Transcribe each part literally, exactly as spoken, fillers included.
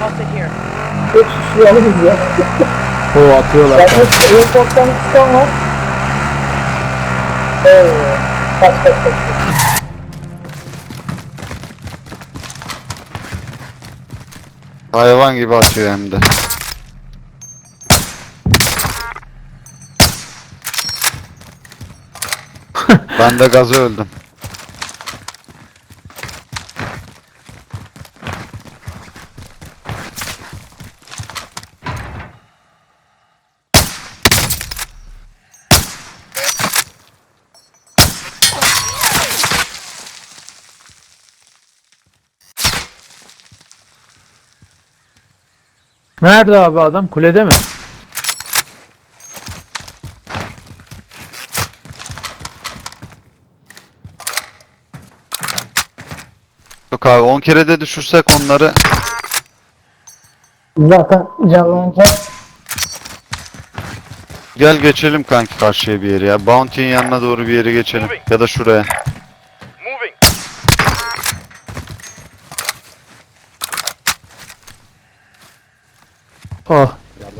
spotted here. Üç kişi alırız ya. O atıyorlar. Yalnız airporttan çıkan var. Eee. Kaç kaç kaç. Hayvan gibi atıyor hem de. Ben de gazı öldüm. Nerede abi adam? Kulede mi? Yok abi on kere de düşürsek onları Zaten canlanınca gel geçelim kanki karşıya bir yere ya. Bounty'nin yanına doğru bir yere geçelim. Ya da şuraya. Moving. Oh.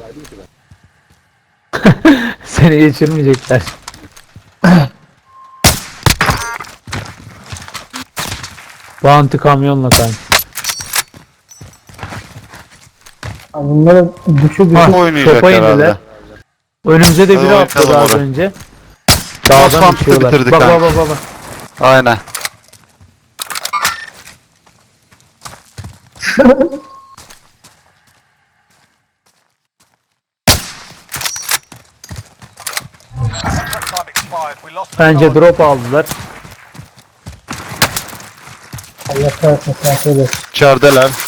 Seni geçirmeyecekler. Bounty kamyonla kanka. bunları düşü Ha, düşü Oynayacak topa herhalde. indiler. Önümüze de Hadi biri bakalım atladı az oraya. önce. Dağdan Dağdan uçuyorlar. bitirdik Bak kanka. bak bak bak. Aynen. Contract time expired. We lost the Bence target. drop aldılar. Allah kahretsin sen söyle. İçerideler.